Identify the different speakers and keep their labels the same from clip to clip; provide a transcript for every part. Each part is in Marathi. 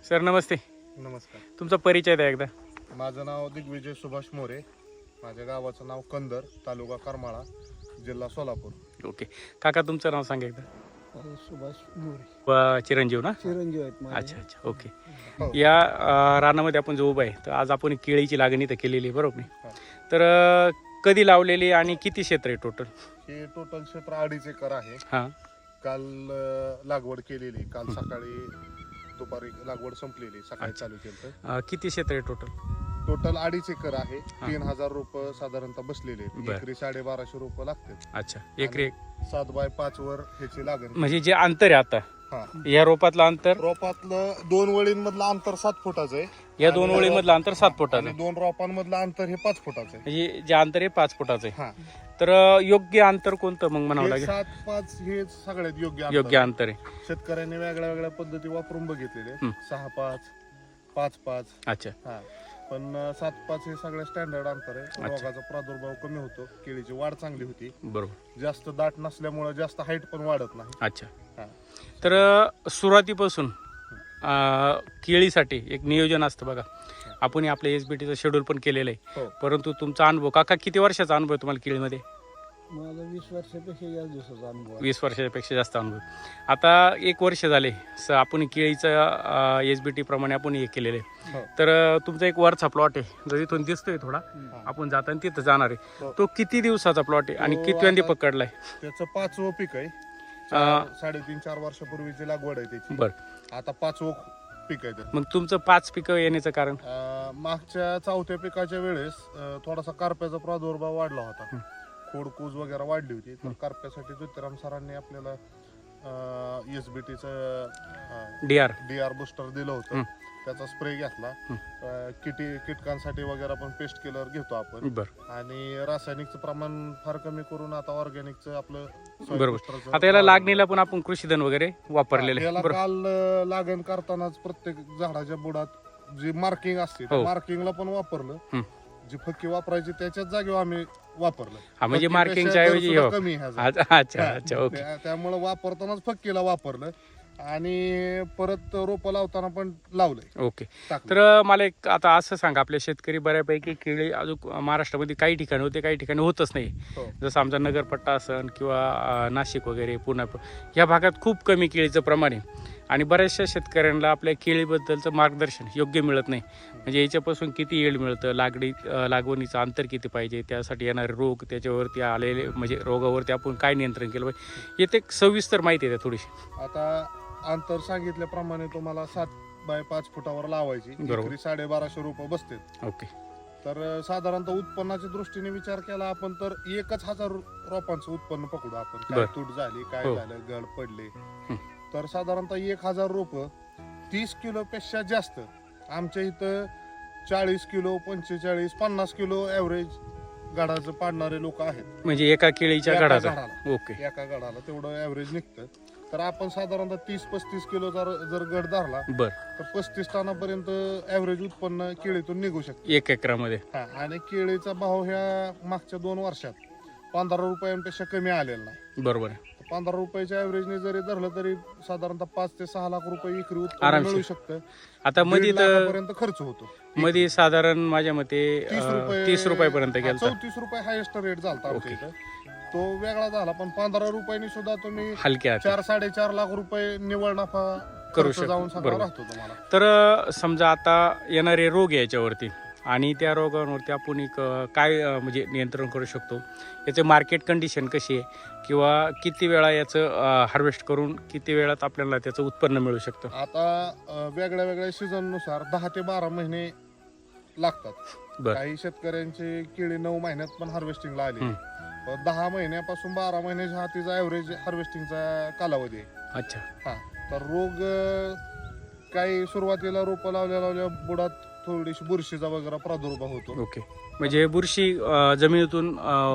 Speaker 1: सर नमस्ते.
Speaker 2: नमस्कार.
Speaker 1: तुमचा परिचय द्या एकदा.
Speaker 2: माझं नाव दिग्विजय सुभाष मोरे. माझ्या गावाचं नाव कंदर, तालुका करमाळा, जिल्हा सोलापूर.
Speaker 1: ओके काका, तुमचं नाव सांगा एकदा.
Speaker 3: सुभाष मोरे.
Speaker 1: चिरंजीव ना?
Speaker 3: चिरंजीव आहेत माझे.
Speaker 1: अच्छा अच्छा ओके.
Speaker 2: हो.
Speaker 1: या रानामध्ये आपण जो उभा आहे तर आज आपण केळीची लागणी तर केलेली आहे बरोबर नाही?
Speaker 2: हा.
Speaker 1: तर कधी लावलेली आणि किती क्षेत्र आहे टोटल?
Speaker 2: हे टोटल क्षेत्र 2.5 एकर आहे.
Speaker 1: हां
Speaker 2: काल लागवड केलेली, काल सकाळी दुपारी लागवड संपलेली, सकाळी चालू केलं.
Speaker 1: किती क्षेत्र आहे टोटल?
Speaker 2: टोटल 2.5 एकर आहे. 3000 रोपं साधारणतः बसलेले आहेत.
Speaker 1: बरं.
Speaker 2: एकरी 1250 रोपं लागतात.
Speaker 1: अच्छा एकरी
Speaker 2: 7x5 वर ह्याची लागण.
Speaker 1: म्हणजे जे अंतर आहे आता
Speaker 2: हा,
Speaker 1: या रोपातलं अंतर,
Speaker 2: रोपातलं 2 वळींमधलं अंतर 7 फुटाचं आहे.
Speaker 1: या 2
Speaker 2: आणि
Speaker 1: ओळीमधलं अंतर 7 फुटाचं
Speaker 2: आणि
Speaker 1: आहे.
Speaker 2: 2 रोपांमधलं अंतर हे 5 फुटाचं आहे.
Speaker 1: म्हणजे जे अंतर आहे 5 फुटाचं आहे.
Speaker 2: हा,
Speaker 1: तर योग्य अंतर कोणतं मग म्हणावं लागेल?
Speaker 2: 7-5 हे सगळ्यात योग्य
Speaker 1: योग्य अंतर आहे.
Speaker 2: शेतकऱ्यांनी वेगळ्या वेगळ्या पद्धती वापरून बघितलेले. 6-5, 5-5.
Speaker 1: अच्छा
Speaker 2: हा, पण 7-5 हे सगळं स्टँडर्ड अंतर आहे. रोगाचा प्रादुर्भाव कमी होतो, केळीची वाढ चांगली होती,
Speaker 1: बरोबर.
Speaker 2: जास्त दाट नसल्यामुळे जास्त हाईट पण वाढत नाही.
Speaker 1: अच्छा.
Speaker 2: हा.
Speaker 1: तर सुरुवातीपासून केळीसाठी एक नियोजन असतं बघा. आपण आपल्या SBTचं शेड्यूल पण केलेलं आहे.
Speaker 2: हो.
Speaker 1: परंतु तुमचा अनुभव काका, किती वर्षाचा अनुभव आहे तुम्हाला केळीमध्ये?
Speaker 3: मला 20 वर्षापेक्षा जास्त दिवसाचा अनुभव आहे.
Speaker 1: 20 वर्षापेक्षा जास्त अनुभव. आता 1 वर्ष झाले आपण केळीचं SBT प्रमाणे आपण हे केलेलं आहे.
Speaker 2: हो.
Speaker 1: तर तुमचा एक वरचा प्लॉट आहे जो इथून दिसतोय थोडा, आपण जाताना तिथं जाणार आहे.
Speaker 2: हो.
Speaker 1: तो किती दिवसाचा प्लॉट आहे आणि
Speaker 2: तो
Speaker 1: कितव्यांदी
Speaker 2: आता-
Speaker 1: पकडलाय?
Speaker 2: त्याचं 5वं पीक आहे. 3.5-4 वर्षापूर्वीची लागवड आहे त्याची.
Speaker 1: बरं.
Speaker 2: आता 5वं पीक आहे त्याचं.
Speaker 1: मग तुमचं 5 पिकं येण्याचं कारण?
Speaker 2: मागच्या 4थ्या पिकाच्या वेळेस थोडासा करप्याचा प्रादुर्भाव वाढला होता. खोडकूज वगैरे वाढली होती. तर करप्यासाठी ज्योतिराम सरांनी आपल्याला SBTचं
Speaker 1: DR
Speaker 2: बुस्टर दिलं होतं. त्याचा स्प्रे घेतला. कीटकांसाठी वगैरे आपण पेस्ट किलर घेतो आपण.
Speaker 1: बरं.
Speaker 2: आणि रासायनिकचं प्रमाण फार कमी करून आता ऑर्गॅनिकचं आपलं soil
Speaker 1: बरोबर.
Speaker 2: booster चं
Speaker 1: आता याला लागणीला पण आपण कृषीधन वगैरे वापरलेले
Speaker 2: याला
Speaker 1: बरोबर.
Speaker 2: काल लागण करतानाच प्रत्येक झाडाच्या बुडात जी मार्किंग असते
Speaker 1: हो.
Speaker 2: मार्किंगला पण वापरलं. जी फक्की वापरायची त्याच्याच जागेवर आम्ही वापरलं.
Speaker 1: हा म्हणजे
Speaker 2: फक्कीपेक्षा
Speaker 1: मार्किंगच्या
Speaker 2: दर
Speaker 1: ऐवजी
Speaker 2: सुद्धा
Speaker 1: हो.
Speaker 2: कमी ह्याचा.
Speaker 1: अच्छा अच्छा ओके.
Speaker 2: त्यामुळे वापरतानाच फक्कीला वापरलं आणि परत रोपं लावताना पण लावलंय,
Speaker 1: ओके.
Speaker 2: टाकलं.
Speaker 1: तर मला एक आता असं सांगा, आपले शेतकरी बऱ्यापैकी केळी अजून महाराष्ट्रामध्ये काही ठिकाणी होते, काही ठिकाणी होतच नाही.
Speaker 2: हो.
Speaker 1: जसं आमचा नगरपट्टा असन किंवा नाशिक वगैरे पुणे या भागात खूप कमी केळीचं प्रमाण आहे आणि बऱ्याचशा शेतकऱ्यांना आपल्या केळीबद्दलचं मार्गदर्शन योग्य मिळत नाही. म्हणजे याच्यापासून किती येळ मिळतं, लागवणीचं अंतर किती पाहिजे, त्यासाठी येणारे रोग, त्याच्यावरती आलेले म्हणजे रोगावरती आपण काय नियंत्रण केलं पाहिजे, येथे सविस्तर माहिती आहे थोडीशी.
Speaker 2: आता अंतर सांगितल्याप्रमाणे तुम्हाला 7x5 फुटावर लावायची.
Speaker 1: बरोबर.
Speaker 2: एकरी 1250 रोपं बसते.
Speaker 1: ओके.
Speaker 2: तर साधारणतः उत्पन्नाच्या दृष्टीने विचार केला आपण तर 1000 रोपांचं उत्पन्न पकडू आपण. काय
Speaker 1: बरं.
Speaker 2: तूट झाली, काय
Speaker 1: हो.
Speaker 2: झालं, गड पडले, तर साधारणतः 1000 रोपं 30 किलो पेक्षा जास्त. आमच्या इथं 40 किलो, 45, 50 किलो ऍव्हरेज गडाचं पाडणारे लोक आहेत.
Speaker 1: म्हणजे एका केळीच्या
Speaker 2: एका
Speaker 1: घडाचा.
Speaker 2: झाडाला.
Speaker 1: ओके.
Speaker 2: एका गडाला तेवढं ऍव्हरेज निघतं. तर आपण साधारणतः 30-35 किलो जर गड धरला
Speaker 1: बर.
Speaker 2: तर 35 टनापर्यंत ऍव्हरेज उत्पन्न केळीतून निघू शकते.
Speaker 1: 1 एकरामध्ये.
Speaker 2: हा, आणि केळीचा भाव ह्या मागच्या 2 वर्षात 15 रुपयांपेक्षा कमी आलेला नाही.
Speaker 1: बरोबर आहे.
Speaker 2: 15 रुपयाच्या ऍव्हरेजने जरी धरलं तरी साधारणतः 5 ते 6 लाख रुपये एकरी उत्पन्न
Speaker 1: आरामशीर.
Speaker 2: मिळू शकतं.
Speaker 1: आता मध्ये
Speaker 2: 1.5 लाखापर्यंत खर्च होतो.
Speaker 1: मध्ये साधारण माझ्या मते 30 रुपयापर्यंत गेला.
Speaker 2: 34 रुपये हायेस्ट रेट झाला आमच्या इथं. तो वेगळा झाला, पण 15 रुपयांनी सुद्धा तुम्ही
Speaker 1: हलक्या
Speaker 2: 4-4.5 लाख रुपये निव्वळ नफा
Speaker 1: करू
Speaker 2: खर्च
Speaker 1: शकतो.
Speaker 2: जाऊन सगळा
Speaker 1: बरोबर.
Speaker 2: राहतो तुम्हाला.
Speaker 1: तर समजा आता येणारे रोग आहे याच्यावरती आणि त्या रोगांवरती आपण एक काय म्हणजे नियंत्रण करू शकतो, याचं मार्केट कंडिशन कशी आहे किंवा किती वेळा याचं हार्वेस्ट करून किती वेळात आपल्याला त्याचं उत्पन्न मिळू शकतं?
Speaker 2: आता वेगळ्या वेगळ्या सीझन नुसार 10 ते 12 महिने लागतात.
Speaker 1: बरं.
Speaker 2: काही शेतकऱ्यांची केळी 9 महिन्यात पण हार्वेस्टिंगला आली. 10 महिन्यापासून 12 महिन्याच्या हातीचा ऍव्हरेज हार्वेस्टिंगचा कालावधी आहे.
Speaker 1: अच्छा.
Speaker 2: हा, तर रोग काही सुरुवातीला रोपं लावल्या बुडात थोडीशी बुरशीचा वगैरे प्रादुर्भाव होतो.
Speaker 1: ओके. म्हणजे बुरशी जमिनीतून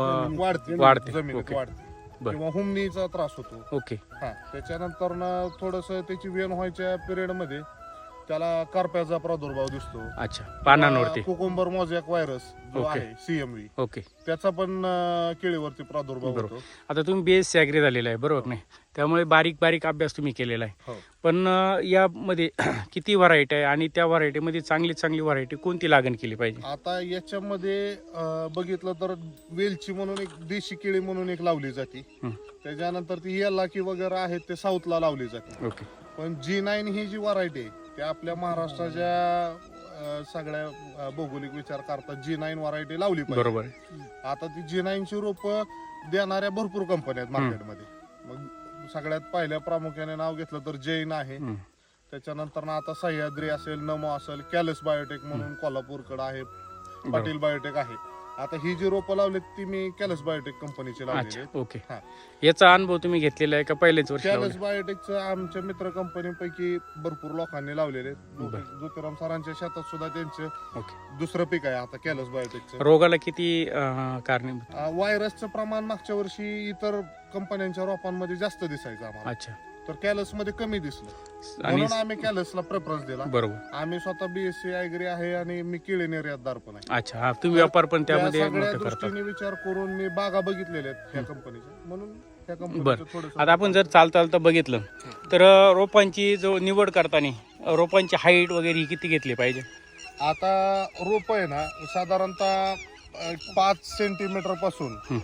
Speaker 1: वाढते.
Speaker 2: जमिनीत
Speaker 1: ओके.
Speaker 2: वाढते
Speaker 1: बरं.
Speaker 2: किंवा हुमणीचा त्रास होतो.
Speaker 1: ओके.
Speaker 2: हा, त्याच्यानंतर ना थोडस त्याची वेण व्हायच्या पिरियड मध्ये त्याला करप्याचा प्रादुर्भाव दिसतो.
Speaker 1: अच्छा, पानांवरती.
Speaker 2: कुकुंबर मोझॅक व्हायरस जो
Speaker 1: ओके.
Speaker 2: आहे CMV,
Speaker 1: ओके.
Speaker 2: त्याचा पण केळीवरती प्रादुर्भाव
Speaker 1: बरोबर.
Speaker 2: होतो.
Speaker 1: आता तुम्ही BSc ॲग्री झालेला आहे बरोबर नाही, त्यामुळे बारीक बारीक अभ्यास तुम्ही केलेला आहे.
Speaker 2: हो.
Speaker 1: पण यामध्ये किती व्हरायटी आहे आणि त्या व्हरायटीमध्ये चांगली व्हरायटी कोणती लागण केली पाहिजे?
Speaker 2: आता याच्यामध्ये बघितलं तर वेलची म्हणून एक देशी केळी म्हणून एक लावली जाते.
Speaker 1: हं.
Speaker 2: त्याच्यानंतर ती येलाकी वगैरे आहेत ते साऊथला लावली जाते.
Speaker 1: ओके.
Speaker 2: पण G9 ही जी व्हरायटी आहे ते आपल्या महाराष्ट्राच्या सगळ्या भौगोलिक विचार करता G9 व्हरायटी लावली पाहिजे.
Speaker 1: बरोबर आहे.
Speaker 2: आता ती G9 ची रोपं देणाऱ्या भरपूर कंपन्या आहेत मार्केटमध्ये. मग सगळ्यात पहिल्या प्रामुख्याने नाव घेतलं तर जैन आहे.
Speaker 1: हं.
Speaker 2: त्याच्यानंतर आता सह्याद्री असेल, नमो असेल, कॅलस बायोटेक म्हणून कोल्हापूरकडे आहे, पाटील बायोटेक आहे. आता ही जी रोपं लावलीत ती मी कॅलस बायोटेक कंपनीची लावलेली
Speaker 1: अच्छा.
Speaker 2: आहेत.
Speaker 1: ओके.
Speaker 2: हा.
Speaker 1: याचा अनुभव तुम्ही घेतलेला आहे का पहिलेच वर्ष
Speaker 2: कॅलस
Speaker 1: लावलं?
Speaker 2: बायोटेकचं आमच्या मित्र कंपनीपैकी भरपूर लोकांनी लावलेले आहेत.
Speaker 1: बरं.
Speaker 2: ज्योतिराम सरांच्या शेतात सुद्धा त्यांचं
Speaker 1: ओके.
Speaker 2: दुसरं पीक आहे आता कॅलस बायोटेकचं.
Speaker 1: रोगाला किती कारणीभूत?
Speaker 2: व्हायरसचं प्रमाण मागच्या वर्षी इतर कंपन्यांच्या रोपांमध्ये जास्त दिसायचं आम्हाला,
Speaker 1: अच्छा.
Speaker 2: तर कॅलस मध्ये कमी दिसलं.
Speaker 1: आणि
Speaker 2: म्हणून आम्ही कॅलसला प्रेफरन्स दिला.
Speaker 1: बरोबर.
Speaker 2: आम्ही स्वतः BSc ॲग्री आहे आणि मी केळी निर्यातदार पण आहे.
Speaker 1: अच्छा, हा तुम्ही व्यापार पण
Speaker 2: त्या
Speaker 1: त्यामध्ये
Speaker 2: सगळ्या
Speaker 1: मोठं करता.
Speaker 2: दृष्टीने विचार करून मी बागा बघितलेल्या आहेत त्या कंपनीच्या, म्हणून त्या
Speaker 1: बरं.
Speaker 2: कंपनीचं थोडंसं.
Speaker 1: आता आपण जर चालता बघितलं तर रोपांची जो निवड करताना रोपांची हाईट वगैरे ही किती घेतली पाहिजे?
Speaker 2: आता रोप आहे ना साधारणतः 5 सेंटीमीटर पासून
Speaker 1: हं.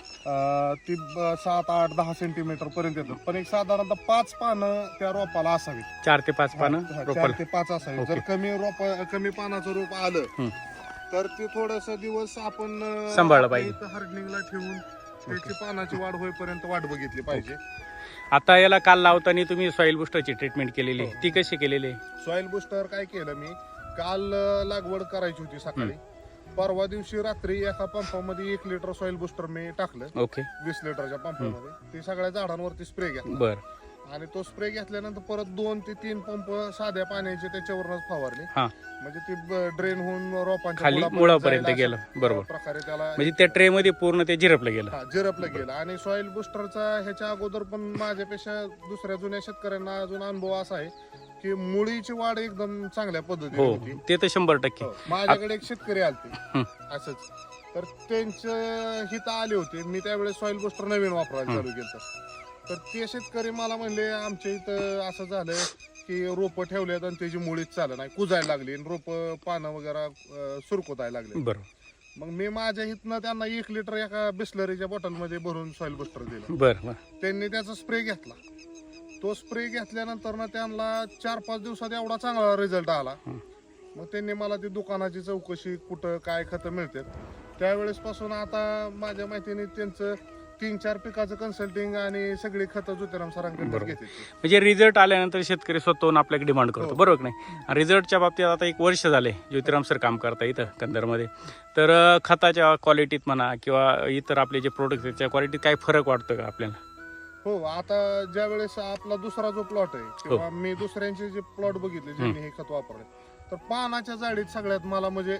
Speaker 2: ती 7, 8, 10 सेंटीमीटर पर्यंत येतात. पण एक साधारणतः 5 पानं त्या रोपाला असावीत.
Speaker 1: 4 ते 5 पानं
Speaker 2: 4
Speaker 1: रोपाला.
Speaker 2: ते 5 असावीत.
Speaker 1: ओके.
Speaker 2: जर कमी पानाचं रोप आलं
Speaker 1: हं.
Speaker 2: तर ते थोडस दिवस आपण
Speaker 1: सांभाळलं पाहिजे.
Speaker 2: हार्डनिंगला ठेवून त्याची पानाची वाढ होईपर्यंत वाट बघितली पाहिजे.
Speaker 1: आता याला काल लावताना तुम्ही सॉइल बुस्टरची ट्रीटमेंट केलेली आहे. ती कशी केलेली आहे?
Speaker 2: सॉइल बुस्टर काय केलं मी, काल लागवड करायची होती सकाळी. परवा दिवशी रात्री एका पंपामध्ये 1 लिटर सॉइल बुस्टर मी टाकलं.
Speaker 1: ओके.
Speaker 2: 20 लिटरच्या पंपामध्ये. ते सगळ्या झाडांवरती स्प्रे घेतला
Speaker 1: बर.
Speaker 2: आणि तो स्प्रे घेतल्यानंतर परत 2 ते 3 पंप साध्या पाण्याचे त्याच्यावरच फवारले.
Speaker 1: हा.
Speaker 2: म्हणजे ती ड्रेन होऊन रोपांच्या
Speaker 1: खाली मुळापर्यंत गेलं. बरोबर.
Speaker 2: प्रकारे त्याला
Speaker 1: म्हणजे त्या ट्रे मध्ये पूर्ण ते झिरपलं गेलं.
Speaker 2: जिरपलं गेलं. आणि सॉइल बुस्टरचा ह्याच्या अगोदर पण माझ्यापेक्षा दुसऱ्या जुन्या शेतकऱ्यांना अजून अनुभव असा आहे की मुळीची वाढ एकदम चांगल्या पद्धतीने
Speaker 1: हो,
Speaker 2: होती.
Speaker 1: ते तर 100%.
Speaker 2: हो. माझ्याकडे एक शेतकरी आलते
Speaker 1: हं.
Speaker 2: असंच, तर त्यांचं हित आले होते. मी त्यावेळेस सॉइल बुस्टर नवीन वापरायला चालू केलं. तर ते शेतकरी मला म्हणले आमच्या इथं असं झालं की रोपं ठेवल्यात आणि त्याची मुळीच चालत नाही, कुजायला लागली आणि रोपं पानं वगैरे सुरकुतायला लागले.
Speaker 1: बरोबर.
Speaker 2: मग मी माझ्या इथनं त्यांना 1 लिटर एका बिस्लरीच्या बॉटलमध्ये भरून सॉइल बुस्टर दिलं.
Speaker 1: बर.
Speaker 2: त्यांनी त्याचा स्प्रे घेतला. तो स्प्रे घेतल्यानंतर ना त्यांना 4-5 दिवसात एवढा चांगला रिझल्ट आला. मग त्यांनी मला ती दुकानाची चौकशी, कुठं काय खतं मिळतात, त्यावेळेस पासून आता माझ्या माहितीने त्यांचं 3-4 पिकाचं कन्सल्टिंग आणि सगळी खतं ज्योतिराम सरांकडे
Speaker 1: बरोबर.
Speaker 2: घेते.
Speaker 1: म्हणजे रिझल्ट आल्यानंतर शेतकरी स्वतःहून आपल्याकडे डिमांड करतो.
Speaker 2: हो.
Speaker 1: बरोबर नाही? रिझल्टच्या बाबतीत आता 1 वर्ष झाले ज्योतिराम सर काम करता इथं कंधारमध्ये. तर खताच्या क्वालिटीत म्हणा किंवा इतर आपले जे प्रोडक्ट त्याच्या क्वालिटीत काही फरक वाटतो का आपल्याला?
Speaker 2: हो. आता ज्या वेळेस आपला दुसरा जो प्लॉट आहे किंवा मी दुसऱ्यांचे जे प्लॉट बघितले ज्यांनी हे खत वापरले, तर पानाच्या जाडीत सगळ्यात मला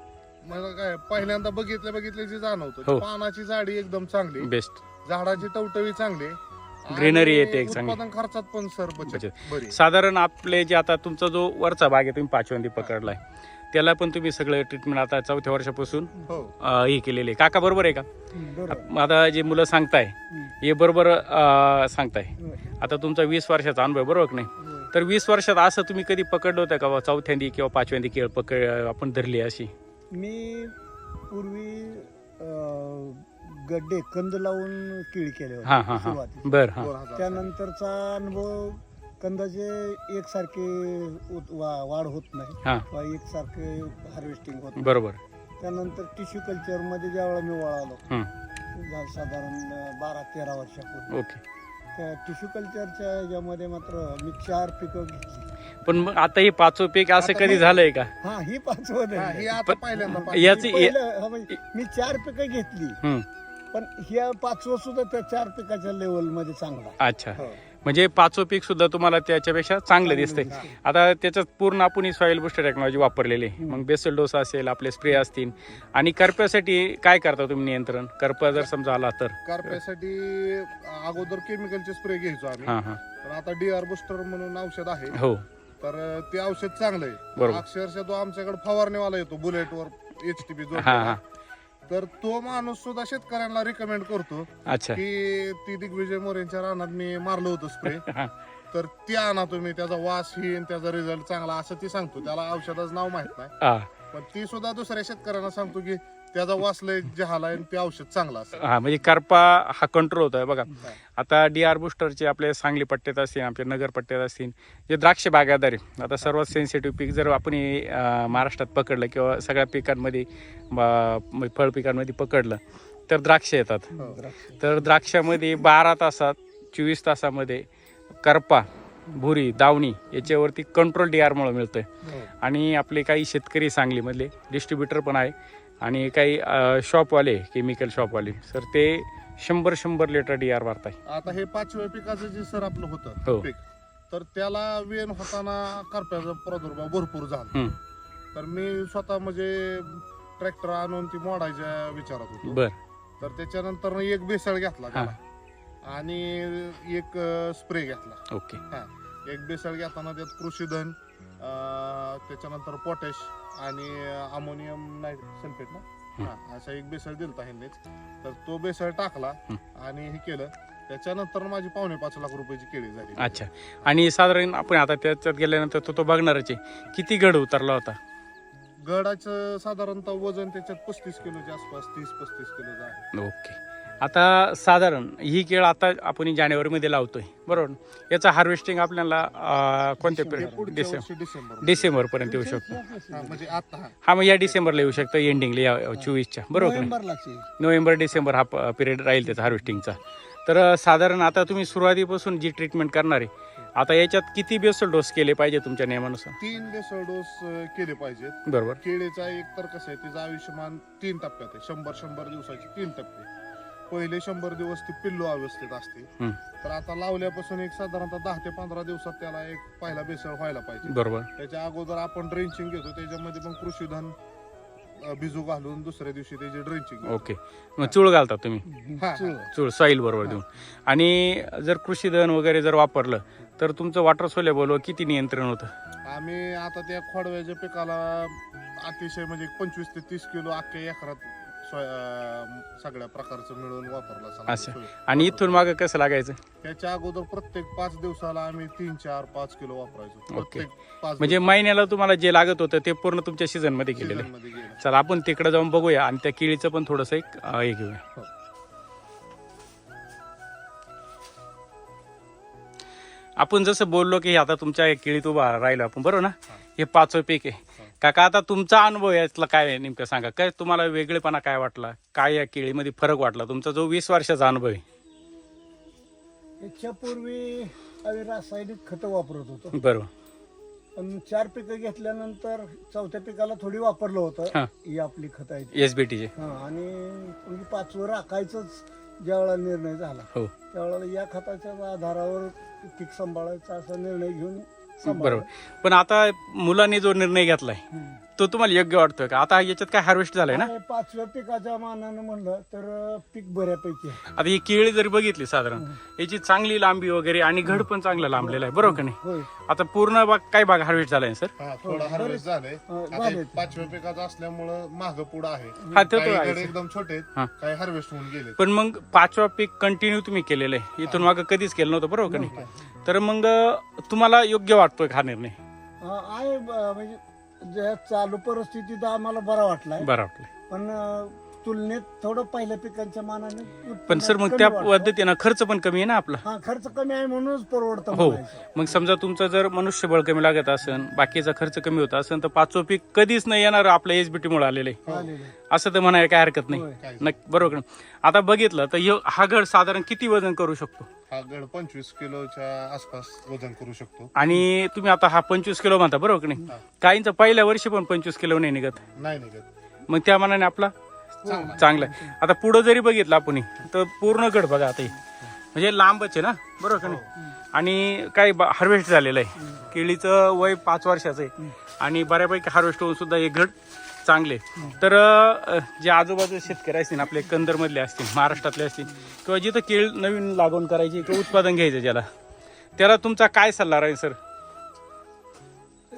Speaker 2: काय पहिल्यांदा बघितल्याची जाणवतं.
Speaker 1: हो.
Speaker 2: पानाची जाडी एकदम चांगली,
Speaker 1: बेस्ट.
Speaker 2: झाडाची टवटवी चांगली,
Speaker 1: Greenery
Speaker 2: आणि
Speaker 1: येते एक चांगली.
Speaker 2: उत्पादन खर्चात पण सर बचत बरी.
Speaker 1: साधारण आपले जे आता तुमचा जो वरचा भाग आहे तुम्ही 5वंदी पकडलाय, त्याला पण तुम्ही सगळं ट्रीटमेंट आता 4थ्या वर्षापासून
Speaker 2: हो.
Speaker 1: हे केलेले. काका बरोबर आहे का?
Speaker 3: बरोबर.
Speaker 1: आता जे मुलं सांगताय हे बरोबर सांगताय.
Speaker 3: होय.
Speaker 1: आता तुमचा 20 वर्षाचा अनुभव आहे, बरोबर की नाही?
Speaker 3: होय.
Speaker 1: तर 20 वर्षात असं तुम्ही कधी पकडलं होतं का 4थ्यांदी किंवा 5व्यांदी केळ आपण धरली अशी?
Speaker 3: मी पूर्वी गड्डे कंद लावून केळी केले
Speaker 1: हा हा
Speaker 3: होते
Speaker 1: हा.
Speaker 3: सुरुवातीला.
Speaker 1: बर. हा.
Speaker 2: 2000.
Speaker 3: त्यानंतरचा अनुभव कंदाचे एकसारखे वाढ होत नाही
Speaker 1: हा.
Speaker 3: किंवा एकसारखे हार्वेस्टिंग होत नाही.
Speaker 1: बरोबर.
Speaker 3: त्यानंतर टिश्यू कल्चर मध्ये ज्यावेळेला मी वळालो,
Speaker 1: हं.
Speaker 3: साधारण 12-13 वर्षापूर्वी,
Speaker 1: ओके.
Speaker 3: त्या टिश्यू कल्चरच्या ह्याच्यामध्ये मात्र मी 4 पिकं घेतली.
Speaker 1: पण मग आता हे 5वं पीक असं
Speaker 2: आता
Speaker 1: कधी
Speaker 2: हे-
Speaker 1: झालंय का?
Speaker 3: हा, ही 5वं
Speaker 2: हा, हे आता पहिल्यांदा
Speaker 1: याची
Speaker 3: मी 4 पिकं घेतली,
Speaker 1: हं.
Speaker 3: पण ह्या 5वं सुद्धा त्या 4 पिकाच्या लेवल मध्ये चांगला.
Speaker 1: अच्छा.
Speaker 2: हो.
Speaker 1: म्हणजे 5वं पीक सुद्धा तुम्हाला त्याच्यापेक्षा चांगलं दिसतंय.
Speaker 3: दिसतंय.
Speaker 1: आता त्याच्यात पूर्ण आपण ही सॉइल बुस्टर टेक्नॉलॉजी वापरलेली आहे. मग बेसल डोस असेल, आपले स्प्रे असतील, आणि करप्यासाठी काय करता तुम्ही नियंत्रण? करपा जर समजा आला तर?
Speaker 2: करप्यासाठी अगोदर केमिकलचे स्प्रे घ्यायचो आम्ही,
Speaker 1: हा हा.
Speaker 2: पण आता DR बुस्टर म्हणून औषध आहे,
Speaker 1: हो.
Speaker 2: तर ते औषध चांगलं आहे.
Speaker 1: बरोबर.
Speaker 2: अक्षरशः तो आमच्याकडे फवारणीवाला येतो बुलेटवर HTP
Speaker 1: हा
Speaker 2: जोडलेला.
Speaker 1: हा
Speaker 2: तर तो माणूस सुद्धा शेतकऱ्यांना रिकमेंड करतो
Speaker 1: अच्छा
Speaker 2: की ती दिग्विजय मोरेंच्या रानात मी मारलं होतं स्प्रे,
Speaker 1: हा
Speaker 2: तर ती आणा तुम्ही, त्याचा वास ही त्याचा रिझल्ट चांगला असं ती सांगतो. त्याला औषधाचं नाव माहित नाही,
Speaker 1: हा
Speaker 2: पण ती सुद्धा दुसऱ्या शेतकऱ्यांना सांगतो की त्याचा वास लय जहाला आणि ते औषध चांगलं असतं.
Speaker 1: हा म्हणजे करपा हा कंट्रोल होतोय बघा. आता DR बुस्टरचे आपले सांगली पट्ट्यात असतील, आपल्या नगर पट्ट्यात असतील, जे द्राक्ष बागायतदार आहे, आता सर्वात सेन्सिटिव्ह पीक जर आपण महाराष्ट्रात पकडलं किंवा सगळ्या पिकांमध्ये फळ पिकांमध्ये पकडलं तर द्राक्ष येतात. तर द्राक्षामध्ये 12 तासात 24 तासामध्ये करपा, भुरी, दावणी याच्यावरती कंट्रोल DR मुळे मिळतोय. आणि आपले काही शेतकरी सांगलीमधले डिस्ट्रीब्युटर पण आहे आणि काही शॉपवाले, केमिकल शॉपवाले सर, ते 100 लिटर DR मारताय.
Speaker 2: आता हे 5व्या पिकाचं जे सर आपलं
Speaker 1: हो.
Speaker 2: होतं पीक, तर त्याला वेन होताना करप्याचा प्रादुर्भाव भरपूर झाला.
Speaker 1: हम्म.
Speaker 2: तर मी स्वतः म्हणजे ट्रॅक्टर आणून ती मोडायच्या विचारात होतो.
Speaker 1: बर
Speaker 2: तर त्याच्यानंतर एक बेसळ घेतला त्याला आणि एक स्प्रे घेतला.
Speaker 1: ओके.
Speaker 2: एक बेसळ घेताना त्यात कृषीधन, त्याच्यानंतर पोटॅश आणि अमोनियम सल्फेट ना, असा एक बेसळ दिलता ह्यांनीच. तर तो बेसळ टाकला आणि हे केलं. त्याच्यानंतर माझी 5.25 लाख रुपयाची केळी झाली.
Speaker 1: अच्छा. आणि साधारण आपण आता त्याच्यात गेल्यानंतर तो बघणारच आहे, किती गड उतरला होता?
Speaker 2: गडाचं साधारणतः वजन त्याच्यात 35 किलोच्या आसपास, 30-35 किलोचं आहे.
Speaker 1: ओके. आता साधारण ही केळ आता आपण जानेवारीमध्ये लावतोय बरोबर, याचं हार्वेस्टिंग आपल्याला कोणत्या पिरियड?
Speaker 2: पुढच्या वर्षी डिसेंबर
Speaker 1: डिसेंबरपर्यंत येऊ शकतो.
Speaker 2: म्हणजे आता
Speaker 1: हा मग या डिसेंबरला येऊ शकतं, एंडिंगला या 24च्या बरोबर का नाही? नोव्हेंबर डिसेंबर हा पिरियड राहील त्याचा हार्वेस्टिंगचा. तर साधारण आता तुम्ही सुरुवातीपासून जी ट्रीटमेंट करणार आहे, आता याच्यात किती बेसल डोस केले पाहिजे तुमच्या नियमानुसार?
Speaker 2: 3 बेसळ डोस केले पाहिजेत.
Speaker 1: बरोबर.
Speaker 2: केळीचा एक तर कसं आहे, तिचं आयुष्यमान 3 टप्प्यात आहे. 100 दिवसाचे 3 टप्पे. पहिले 100 दिवस ती पिल्लू अवस्थेत असते. तर आता लावल्यापासून एक साधारणतः 10 ते 15 दिवसात त्याला एक पहिला बेसळ व्हायला पाहिजे.
Speaker 1: बरोबर.
Speaker 2: त्याच्या अगोदर आपण ड्रेंचिंग घेतो, त्याच्यामध्ये पण कृषीधन भिजू घालून दुसऱ्या दिवशी त्याची ड्रेंचिंग.
Speaker 1: ओके. मग चूळ घालता तुम्ही?
Speaker 2: हा,
Speaker 1: चूळ सॉईल बरोबर देऊन. आणि जर कृषीधन वगैरे जर वापरलं तर तुमचं वॉटर सोल्युबल किती नियंत्रण होतं?
Speaker 2: आम्ही आता त्या खोडव्याच्या पिकाला अतिशय म्हणजे 25 ते 30 किलो अख्ख्या एकरात सगळ्या प्रकारचं मिळून वापरला.
Speaker 1: असं. आणि इथून मागं कसं लागायचं?
Speaker 2: त्याच्या अगोदर प्रत्येक 5 दिवसाला आम्ही 3, 4, 5 किलो वापरायचो. प्रत्येक 5
Speaker 1: म्हणजे महिन्याला तुम्हाला जे लागत होतं ते पूर्ण तुमच्या सीझन मध्ये केलेलं आहे.
Speaker 2: मध्ये गेलं.
Speaker 1: चला आपण तिकडे जाऊन बघूया आणि त्या केळीचं पण थोडंसं एक हे घेऊया.
Speaker 2: हो.
Speaker 1: आपण जसं बोललो की आता तुमच्या केळीत उभा राहिलो आपण बरोबर ना, हे 5वं पीक आहे. काका आता तुमचा अनुभव यातला काय आहे नेमकं सांगा, काय तुम्हाला वेगळेपणा काय वाटला, काय या केळीमध्ये फरक वाटला, तुमचा जो 20 वर्षाचा अनुभव आहे?
Speaker 3: याच्यापूर्वी आम्ही रासायनिक खतं वापरत होतो,
Speaker 1: बरोबर.
Speaker 3: पण 4 पिकं घेतल्यानंतर 4थ्या पिकाला थोडी वापरलं होतं ही आपली खत आहे
Speaker 1: SBT चे.
Speaker 3: आणि म्हणजे 5वर राखायचंच ज्यावेळेला निर्णय झाला,
Speaker 1: हो
Speaker 3: त्यावेळेला या खताच्या आधारावर पीक सांभाळायचा असा निर्णय घेऊन
Speaker 1: बरोबर. पण आता मुलांनी जो निर्णय घेतलाय तो तुम्हाला योग्य वाटतोय का? आता याच्यात काय हार्वेस्ट झालंय ना?
Speaker 3: 5व्या पिकाच्या मानानं म्हणलं तर पीक बऱ्यापैकी आहे.
Speaker 1: आता ही केळी जरी बघितली साधारण याची चांगली लांबी वगैरे आणि घड पण चांगलं लांबलेलं आहे बरोबर का नाही?
Speaker 3: होय.
Speaker 1: आता पूर्ण काय भाग हार्वेस्ट झालाय सर?
Speaker 2: थोडा हार्वेस्ट झालंय.
Speaker 3: झालंय.
Speaker 2: 5व्या पिकाचं असल्यामुळं माग पुढं आहे.
Speaker 1: हा ते
Speaker 2: काही
Speaker 1: तो
Speaker 2: गड
Speaker 1: आहे.
Speaker 2: एकदम छोटे आहेत, काही हार्वेस्ट होऊन गेले.
Speaker 1: पण मग 5वा पीक कंटिन्यू तुम्ही केलेलं आहे, इथून मागं कधीच केलं नव्हतं बरोबर का नाही? तर मग तुम्हाला योग्य वाटतोय हा निर्णय?
Speaker 3: आहे म्हणजे ज्या चालू परिस्थितीत आम्हाला बरा वाटलाय,
Speaker 1: बरं वाटलं.
Speaker 3: पण तुलनेत थोडं पहिल्या पिकांच्या मानाने
Speaker 1: पण सर मग त्या पद्धतीनं खर्च पण कमी आहे ना आपला?
Speaker 3: हा खर्च कमी आहे म्हणूनच परवडतं
Speaker 1: हो.
Speaker 3: म्हणायचं.
Speaker 1: मग समजा तुमचं जर मनुष्यबळ कमी लागत असेल, बाकीचा खर्च कमी होत असेल, तर 5वं पीक कधीच नाही येणार आपल्या SBT मुळे आलेलं आहे
Speaker 3: आलेलं आहे.
Speaker 1: असं तर म्हणायला काय हरकत नाही.
Speaker 3: होय.
Speaker 1: नक्की बरोबर. आता बघितलं तर हा घड साधारण किती वजन करू शकतो?
Speaker 2: हा गड 25 किलोच्या आसपास वजन करू शकतो.
Speaker 1: आणि तुम्ही आता हा 25 किलो म्हणता बरोबर की नाही? काहींचं पहिल्या वर्षी पण 25 किलो नाही निघत,
Speaker 2: नाही निघत.
Speaker 1: मग त्या मानाने आपला चांगला आहे. आता पुढं जरी बघितलं आपण तर पूर्ण गड बघा आता हे. म्हणजे लांबच आहे ना बरोबर का नाही? आणि काही हार्वेस्ट झालेलं आहे. केळीचं वय 5 वर्षाचं आहे आणि बऱ्यापैकी हार्वेस्ट होऊन सुद्धा हे घड चांगले. तर जे आजूबाजू शेतकरी असतील आपले कंदरमधले असतील, महाराष्ट्रातले असतील, किंवा जिथं केळ नवीन लागवड करायची किंवा उत्पादन घ्यायचं ज्याला, त्याला तुमचा काय सल्ला राहील सर?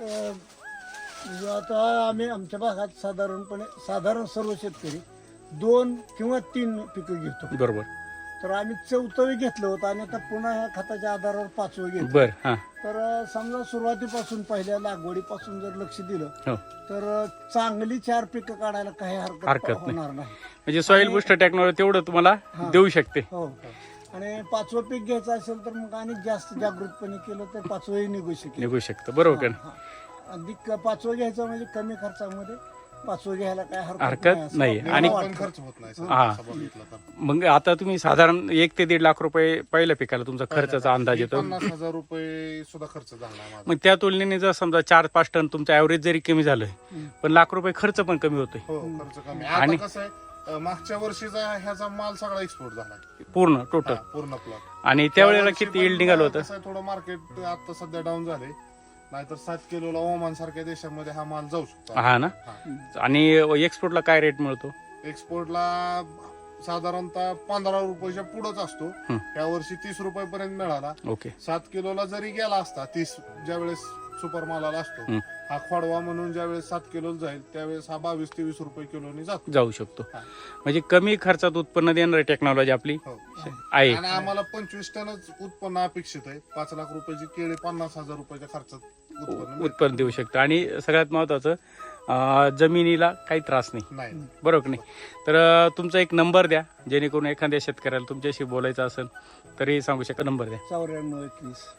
Speaker 3: म्हणजे आता आम्ही आमच्या भागात साधारण सर्व शेतकरी 2 किंवा 3 पिकं घेतो.
Speaker 1: बरोबर.
Speaker 3: तर आम्ही 4वी घेतलं होतं आणि आता पुन्हा ह्या खताच्या आधारावर 5वं घेतो.
Speaker 1: बर. हा.
Speaker 3: तर समजा सुरुवातीपासून पहिल्या लागवडीपासून जर लक्ष दिलं
Speaker 1: हो.
Speaker 3: तर चांगली 4 पिकं काढायला काही
Speaker 1: हरकत
Speaker 3: हरकत
Speaker 1: नाही.
Speaker 3: होणार नाही.
Speaker 1: म्हणजे सॉइल बुस्टर टेक्नॉलॉजी तेवढं तुम्हाला
Speaker 3: हा.
Speaker 1: देऊ शकते.
Speaker 3: हो. आणि 5वं पीक घ्यायचं असेल तर मग आणि जास्त जागृतपणे केलं तर 5वंही निघू शकेल.
Speaker 1: निघू शकतं. बरोबर का नाही?
Speaker 3: अधिक 5वं घ्यायचं म्हणजे कमी खर्चामध्ये 5वं घ्यायला काय
Speaker 1: हरकत नाही.
Speaker 3: असं
Speaker 1: आणि
Speaker 3: मला
Speaker 2: पण
Speaker 3: वाटतं.
Speaker 2: खर्च होत नाही सर,
Speaker 1: हा.
Speaker 2: तसं बघितलं तर.
Speaker 1: मग आता तुम्ही साधारण 1 ते 1.5 लाख रुपये पहिल्या पिकाला तुमचा खर्चाचा अंदाज येतो.
Speaker 2: 50,000 रुपये सुद्धा खर्च झाला माझा.
Speaker 1: मग त्या तुलनेने जर समजा 4-5 टन तुमचं ॲव्हरेज जरी कमी झालं पण लाख रुपये खर्च पण कमी होतोय
Speaker 2: हो, खर्च कमी.
Speaker 1: आणि-
Speaker 2: आता कसं आहे, मागच्या वर्षीचा ह्याचा माल सगळा एक्सपोर्ट झाला
Speaker 1: पूर्ण टोटल.
Speaker 2: पूर्ण प्लॉट.
Speaker 1: आणि त्यावेळेला किती यील्ड निघालं होतं?
Speaker 2: कसं आहे, थोडं मार्केट आता सध्या डाऊन झाले, नाहीतर 7 किलोला ओमान सारख्या देशामध्ये हा माल जाऊ शकतो.
Speaker 1: हा ना. आणि एक्सपोर्टला काय रेट मिळतो?
Speaker 2: एक्सपोर्टला साधारणतः 15 रुपयाच्या पुढेच असतो. या वर्षी 30 रुपयापर्यंत मिळाला.
Speaker 1: ओके.
Speaker 2: 7 किलोला जरी गेला असता, 30 ज्यावेळेस सुपर मालाला असतो, हा खोडवा म्हणून ज्यावेळेस 7 किलो जाईल त्यावेळेस हा 22-23 रुपये किलोनी
Speaker 1: जाऊ शकतो.
Speaker 2: हा.
Speaker 1: म्हणजे कमी खर्चात उत्पन्न देणारी टेक्नॉलॉजी आपली
Speaker 2: हो.
Speaker 1: आहे.
Speaker 2: आणि आम्हाला 25 टनच उत्पन्न अपेक्षित आहे. 5 लाख रुपयाची केळी 50,000 रुपयाच्या खर्चात उत्पन्न मिळतं.
Speaker 1: उत्पन्न देऊ शकतं. आणि सगळ्यात महत्वाचं जमिनीला काही त्रास नाही.
Speaker 2: नाही.
Speaker 1: बरोबर की नाही? तर तुमचा एक नंबर द्या जेणेकरून एखाद्या शेतकऱ्याला तुमच्याशी बोलायचं असेल तरी सांगू शकता. नंबर द्या.
Speaker 3: 94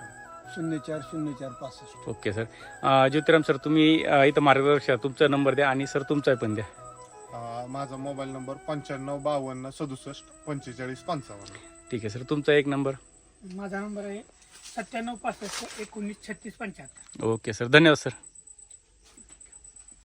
Speaker 3: 21 04 04 65.
Speaker 1: Okay sir. ज्योतिराम सर, तुम्ही इथं मार्गदर्शक, तुमचा नंबर द्या आणि सर तुमचा पण द्या.
Speaker 2: माझा मोबाईल नंबर 95 52 67 45 55.
Speaker 1: ठीक आहे सर. तुमचा एक नंबर.
Speaker 4: माझा नंबर आहे 97 65 19 36 75.
Speaker 1: Okay sir. धन्यवाद सर.